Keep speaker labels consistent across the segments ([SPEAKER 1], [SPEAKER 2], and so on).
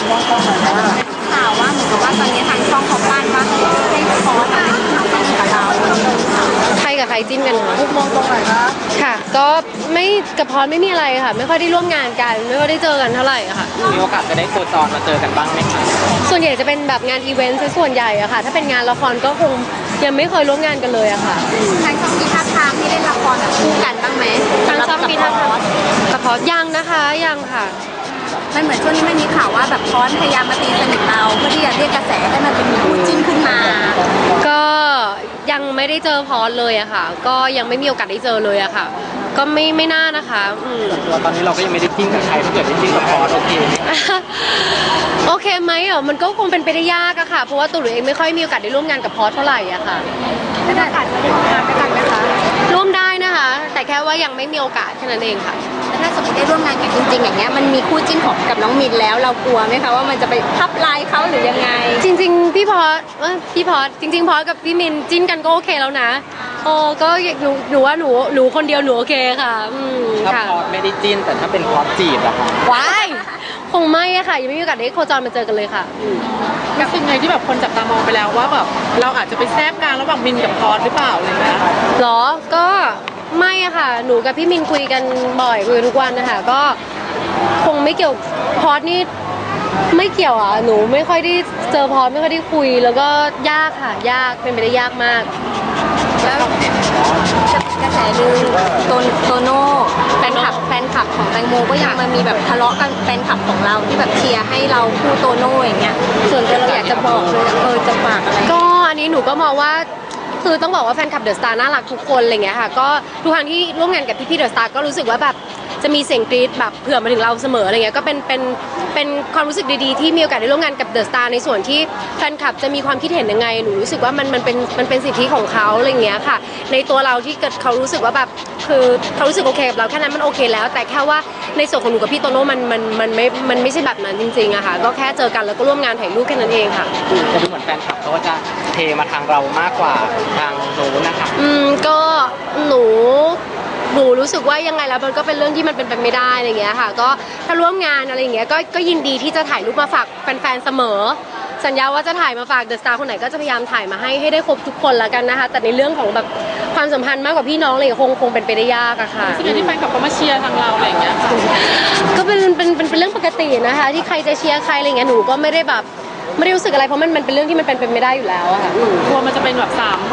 [SPEAKER 1] ข่าวว่าเหมือนกับว่าตอนนี้ทางช่องเขาปั้นว่าให้พอสเป็นคู่จิ้นกับเรา
[SPEAKER 2] ใครกับใครจิ้นกันคะ
[SPEAKER 1] มุกมองตรงไหนคะ
[SPEAKER 2] ค่ะก็ไม่กับพรไม่มีอะไรค่ะไม่ค่อยได้ร่วมงานกันไม่ค่อยได้เจอกันเท่าไหร่ค่ะ
[SPEAKER 3] มีโอกาสจะได้โคจรมาเจอกันบ้างไหมคะ
[SPEAKER 2] ส่วนใหญ่จะเป็นแบบงานอีเวนต์ซะส่วนใหญ่อะค่ะถ้าเป็นงานละครก็คงยังไม่เคยร่วมงานกันเลยอะค่ะ
[SPEAKER 1] ทางช่องมีท่าทางที่เล่นละครแบบคู่กันบ้างไหม
[SPEAKER 2] ทางช่องมีท่าทางกับพรยังนะคะยังค่ะ
[SPEAKER 1] มันเหมือนช่วงนี้มันมีข่าวว่าแบบพรพยายามมาตีสนิทเราเพื่อที่จะเรียกกระแสให้มันเป็นคู่จิ้นขึ้นมา
[SPEAKER 2] ก็ยังไม่ได้เจอพรเลยอะค่ะ ก็ยังไม่มีโอกาสได้เจอเลยอะค่ะ ก็ไม่น่านะคะ
[SPEAKER 3] ตัวตอนนี้เราก็ยังไม่ได้จิ้นกับใครถ้าเกิดได้จิ้นกับพอสโอเคไหม
[SPEAKER 2] โอเคไหมมันก็คงเป็นไปได้ยากอะค่ะเพราะว่าตัวหนูเองไม่ค่อยมีโอกาสได้ร่วมงานกับพอสเท่าไหร่อะค่ะ
[SPEAKER 1] แล้วโอกาสจะร่วมงานด้วยกันไหมคะ
[SPEAKER 2] ร่วมได้นะคะ แต่แค่ว่ายังไม่มีโอกาสแค่นั้นเองค่ะ
[SPEAKER 1] แล้วถ้าสมมติได้ร่วมงานกันจริงๆอย่างเงี้ยมันมีคู่จิ้นของกับน้องมินแล้วเรากลัวไหมคะว่ามันจะไปทับลายเขาหรือยังไง
[SPEAKER 2] จริงๆพี่พอสจริงๆพอสกับพี่มินจิ้นกันก็โอเคแล้วนะก็หนูว่าหนูคนเดียวหนูโอเคค่ะ
[SPEAKER 3] ถ้า
[SPEAKER 2] ค่ะ
[SPEAKER 3] พอสไม่ได้จิ้นแต่ถ้าเป็นพอสจีบอะค่ะ
[SPEAKER 2] ว้ายคงไม่อะค่ะยังไม่มีโอกาสได้โคจรมาเจอกันเลยค่ะ
[SPEAKER 4] รู้สึกไงที่แบบคนจับตามองไปแล้วว่าแบบเราอาจจะไปแทรกกลางระหว่างมินกับพอสหรือเปล่าอะไรเงี้ย
[SPEAKER 2] หรอก็ไม่อะค่ะหนูกับพี่มินคุยกันบ่อยคุยกันทุกวันนะคะก็คงไม่เกี่ยวพอสนี่ไม่เกี่ยวอ่ะหนูไม่ค่อยได้เจอพอสไม่ค่อยได้คุยแล้วก็ยากค่ะยากเป็นไปได้ยากมาก
[SPEAKER 1] แล้วกระแสลือโตโน่แฟนคลับของแตงโมก็ยังมามีแบบทะเลาะกันแฟนคลับของเราที่แบบเชียร์ให้เราคู่โตโน่อย่างเงี้ยส่วนตัวเราอยากจะบอกเลยจะฝากอะไร
[SPEAKER 2] ก็อันนี้หนูก็มองว่าคือต้องบอกว่าแฟนคลับเดอะสตาร์น่ารักทุกคนอะไรเงี้ยค่ะก็ทุกครั้งที่ร่วมงานกับพี่เดอะสตาร์ก็รู้สึกว่าแบบจะมีเสียงกรี๊ดแบบเผื่อมาถึงเราเสมออะไรเงี้ยก็เป็นความรู้สึกดีๆที่มีโอกาสได้ร่วมงานกับเดอะสตาร์ในส่วนที่แฟนคลับจะมีความคิดเห็นยังไงหนูรู้สึกว่ามันเป็นสิทธิของเขาอะไรเงี้ยค่ะในตัวเราที่เกิดเขารู้สึกว่าแบบคือเขารู้สึกโอเคกับเราแค่นั้นมันโอเคแล้วแต่แค่ว่าในส่วนของหนูกับพี่โตโน่มันไม่ใช่แบบนั้นจริงๆอะค่ะก็แค่เจอกันแล้วก็ร่วมงานถ่ายรูปแค่นั้นเองค่ะ
[SPEAKER 3] จะดูเหมือนแฟนคลับเขาก็จะเทมาทางเรามากกว่าทางโน้นนะคะ
[SPEAKER 2] ก็หนูรู้สึกว่ายังไงแล้วมันก็เป็นเรื่องที่มันเป็นไปไม่ได้อะไรเงี้ยค่ะก็ถ้าร่วมงานอะไรอย่างเงี้ยก็ยินดีที่จะถ่ายรูปมาฝากแฟนๆเสมอสัญญาว่าจะถ่ายมาฝากเดอะสตาร์คนไหนก็จะพยายามถ่ายมาให้ได้ครบทุกคนแล้วกันนะคะแต่ในเรื่องของแบบความสัมพันธ์มากกว่าพี่น้องอะไรคงเป็นไปได้ยากอะค่ะ
[SPEAKER 4] รู้สึกไงที่แฟนคลับเขามาเชียร์ทางเราอะไรเงี้ยค่ะ
[SPEAKER 2] ก็เป็นเรื่องปกตินะคะที่ใครจะเชียร์ใครอะไรเงี้ยหนูก็ไม่ได้แบบไม่ได้รู้สึกอะไรเพราะมันเป็นเรื่องที่มันเป็นไปไม่ได้อยู่แล้วอะค่ะ
[SPEAKER 4] กลัวมันจะเป็นแบบ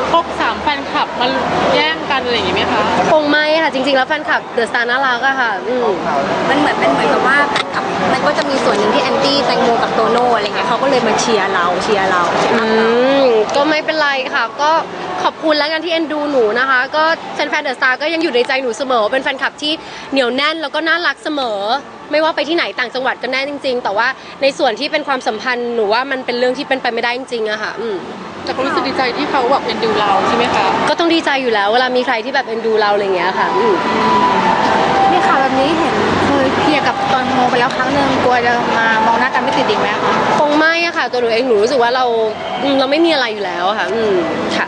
[SPEAKER 4] 3แฟนคลับมาแย่งกันอะไรอย่างงี้ไหมคะ
[SPEAKER 2] คงไม่ค่ะจริงๆแล้วแฟนคลับเดอะสตาร์น่ารักอะค่ะ
[SPEAKER 1] มันเหมือนกับว่าแฟนคลับมันก็จะมีส่วนหนึ่งที่แอนตี้แตงโมกับโตโน่อะไรเงี้ยเขาก็เลยมาเชียร์เรา
[SPEAKER 2] ก็ไม่เป็นไรค่ะก็ขอบคุณแล้วกันที่เอ็นดูหนูนะคะก็แฟนๆเดอะสตาร์ก็ยังอยู่ในใจหนูเสมอเป็นแฟนคลับที่เหนียวแน่นแล้วก็น่ารักเสมอไม่ว่าไปที่ไหนต่างจังหวัดก็แน่จริงๆแต่ว่าในส่วนที่เป็นความสัมพันธ์หนูว่ามันเป็นเรื่องที่เป็นไปไม่ได้จริงๆอะค่ะ
[SPEAKER 4] แต่ก็รู้สึกดีใจที่เขาแบบเอ็นดูเราใช่ไหมคะ
[SPEAKER 2] ก็ต้องดีใจอยู่แล้วเวลามีใครที่แบบเอ็นดูเราอะไรอย่างเงี้ยค่ะ
[SPEAKER 1] นี่ข่าวแบบนี้เห็นเคยเคลียร์กับตอนโมไปแล้วครั้งหนึ่งกลัวจะมามองหน้ากันไม่ติดอีกไหมคะ
[SPEAKER 2] คงไม่อะค่ะตัวหนูเองหนูรู้สึกว่าเราไม่มีอะไรอยู่แล้วค่ะค่ะ